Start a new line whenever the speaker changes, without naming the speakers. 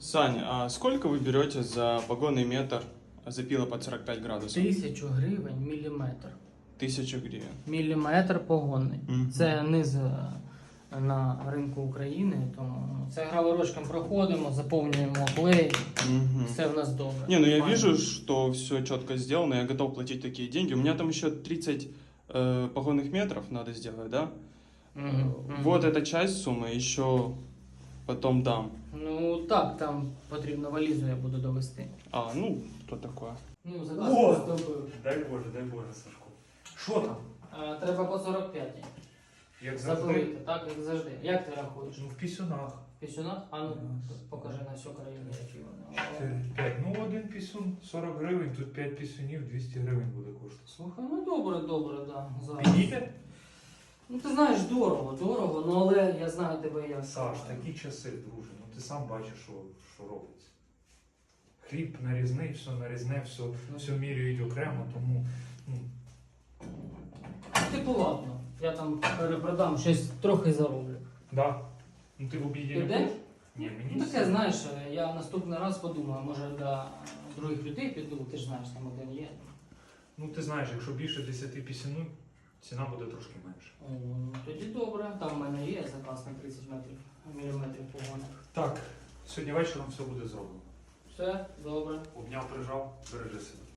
Сань, а сколько вы берете за погонный метр запила под 45 градусов?
1000 гривень міліметр.
1000 гривен.
Міліметр погонний.
Мгм.
Це низ на ринку України, тому це граворочком проходимо, заповнюємо клей,
Мгм.
все в нас добре.
Не, ну я
Файно.
вижу, что все четко сделано, я готов платить такие деньги. У меня там еще 30 погонных метров надо сделать, да?
Мгм, мгм.
Вот эта часть суммы еще потом дам.
Ну так, там потрібно валізу, я буду довести.
А, ну, что такое?
Ну, заказ
О!
зробив.
Дай Боже, Сашко. Що там?
Треба по 45.
Як завжди?
Запилити, так, як завжди. Як ти рахуєш?
Ну, в пісюнах.
В пісюнах? А ну,
Раз.
покажи на всю країну, які вони.
4, 5. Ну, один пісюн 40 гривень, тут 5 пісюнів, 200 гривень буде коштувати.
Слухай, ну добре, да. Зараз.
Підійде?
Ну ти знаєш, дорого, ну але я знаю тебе як.
Саш, такі часи, друже. Ну ти сам бачиш, що робиться. Хліб нарізний, все нарізне, все міряють окремо, тому. Ну,
Типу ладно, я там перепродам, щось трохи зароблю.
да. Ну ти в обіді
Ти
не
йдеш?
будеш? Ні, мені
Ну
все.
таке, знаєш, я наступний раз подумаю, може до других людей піду, ти ж знаєш, там один є.
Ну ти знаєш, якщо більше 10 пісюнів, ціна буде трошки менше.
Ну, тоді добре, там в мене є заказ на 30 міліметрів погоних.
Так, сьогодні вечором все буде зроблено.
Все, добре.
Обняв, прижав, бережи себе.